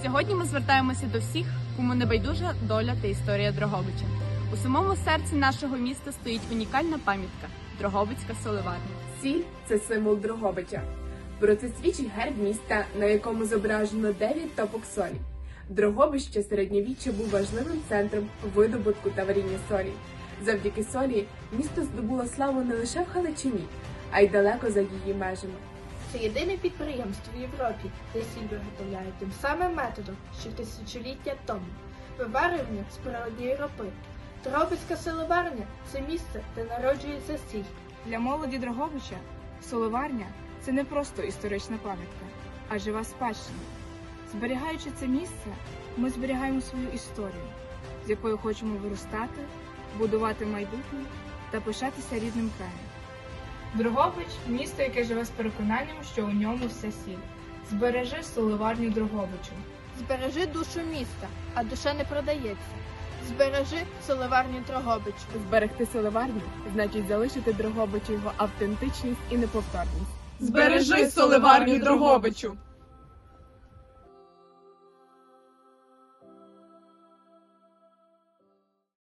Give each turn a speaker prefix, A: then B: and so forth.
A: Сьогодні ми звертаємося до всіх, кому не байдужа доля та історія Дрогобича. У самому серці нашого міста стоїть унікальна пам'ятка – Дрогобицька соливарня.
B: Сіль – це символ Дрогобича. Про це свідчить герб міста, на якому зображено 9 топок солі. Дрогобище середньовіччя був важливим центром видобутку та варіння солі. Завдяки солі місто здобуло славу не лише в Галичині, а й далеко за її межами.
C: Це єдине підприємство в Європі, де сіль виготовляють тим самим методом, що тисячоліття тому – виварювання з природньої ропи. Дрогобицька соливарня – це місце, де народжується сіль.
D: Для молоді Дрогобича соливарня – це не просто історична пам'ятка, а жива спадщина. Зберігаючи це місце, ми зберігаємо свою історію, з якою хочемо виростати, будувати майбутнє та пишатися рідним краєм.
E: Дрогобич – місто, яке живе з переконанням, що у ньому все сіль. Збережи соливарню Дрогобичу.
C: Збережи душу міста, а душа не продається. Збережи соливарню Дрогобичу.
B: Зберегти соливарню – значить залишити Дрогобичу його автентичність і неповторність.
F: Збережи соливарню Дрогобичу!